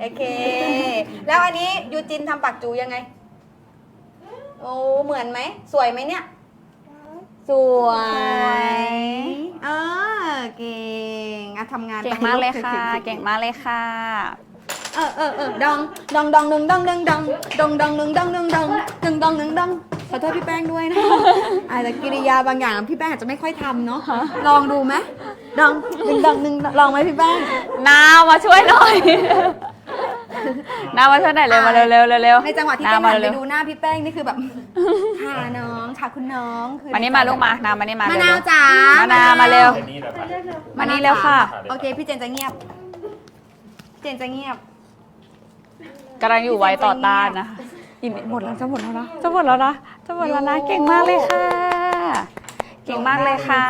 โอเค แล้วอันนี้ยูจินทำปากจูยังไงโอ้เหมือนไหมสวยไหมเนี่ยสวยเก่งอะทำงานเก่งมากเลยค่ะ เก่งมากเลยค่ะดองดองดองหนึ่งดองหนึ่งดองดองดองหนึ่งดองหนึ่งดองหนึ่งดองหนึ่งดองขอโทษพี่แป้งด้วยนะอาจจะกิริยาบางอย่างพี่แป้งอาจจะไม่ค่อยทำเนาะลองดูไหมดองหนึ่งดองหนึ่งลองไหมพี่แป้งนาวมาช่วยหน่อย นาวมาช่วยหน่อยเร็วมาเร็วเร็วเร็วในจังหวะที่นาแป้วงมาหันไปเร็วดูหน้าพี่แป้งนี่คือแบบค่ะน้องค่ะคุณน้องคือมานี่มาลูกมานาวมานี่มามะเร็นาววจ๋ามะนาวมาเร็วเจนนี่แบบว่ามานี่เร็วค่ะโอเคพี่เจนจะเงียบเจนจะเงียบกำลังอยู่ไว้ต่อต้านนะอินหมดแล้วจะหมดแล้วนะจะหมดแล้วนะจะหมดแล้วนะเก่งมากเลยค่ะ เก่งมากเลยค่ะ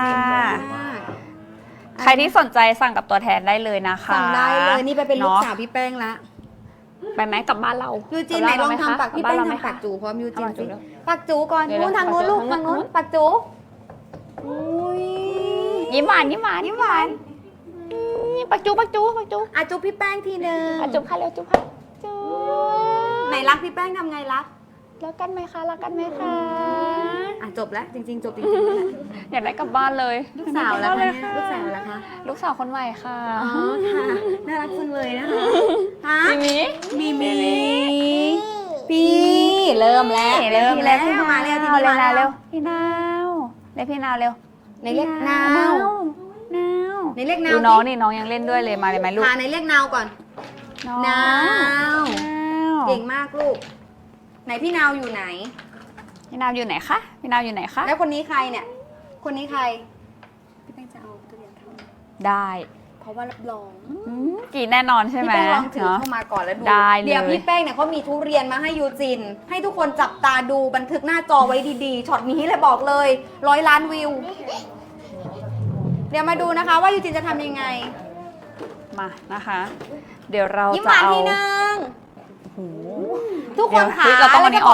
ใครที่สนใจสั่งกับตัวแทนได้เลยนะคะสั่งได้เลยนี่ไปเป็นลูกอะสาวพี่แป้งละไปไหมกลับบ้านเรายูจีนกไหนลับลบ้าองเราทำปากไหมพี่คะแป้งกลับบ้านเราไหมทำปากคะจูพร้อมยูจีนเอาปากจูสิเร็วปากจูก่อนเดี๋ยวนู้นทางนู้นลูกทาทาง งนู้นู้นนปากจูอุ้ยยิ้มหวานยิ้มหวานยิ้มหวานปักจูปักจูปักจูอ่ะจุ๊บพี่แป้งทีนึงอ่ะจุ๊บค่ะเร็วจุ๊บค่ะจุ๊บไหนรักพี่แป้งทำไงรักรักกันไหมคะรักกันไหมคะอ่ะจบแล้วจริงๆจบจริงๆแล้วอยากได้กลับบ้านเลยลูกสาวแล้วเลคะยเนี่ยลูกสาวแล้วคะลูกสาวคนใหม่ค่ะอ๋อค่ะน่ารักจังเลยนะคะฮะมีมีมีพี่เริ่มแล้วเร็วพี่แล้วมาเร็วทีนี้มาเร็เร็ววพี่นาวเรียกพี่นาวเร็วในเรียกนาวนาวในเรียกนาวดูน้องนี่น้องยังเล่นด้วยเลยมาเลยไหมลูกพาในเรียกนาวก่อนน้องนาววเก่งมากลูกไหนพี่นาวอยู่ไหนพี่นาวอยู่ไหนคะพี่นาวอยู่ไหนคะแล้วคนนี้ใครเนี่ย คนนี้ใครพี่แป้งจะเอาทุเรียนเข้าได้เพราะว่ารับรองกี่แน่นอนใช่พี่ไหมแป้งลองถือเนาะเข้ามาก่อนแล้วดูได้เลยเดี๋ยวพี่แป้งเนี่ยเขามีทุเรียนมาให้ยูจิน ให้ทุกคนจับตาดูบันทึกหน้าจอไว้ดีๆช็อตนี้เลยบอกเลย100 ล้านวิว เดี๋ยวมาดูนะคะว่ายูจินจะทำยังไงมานะคะ เดี๋ยวเรายิ้มหจะวานเอาทีนึงทุกคนค่ะเดี๋ยวเราต้องเอาอันนี้ออก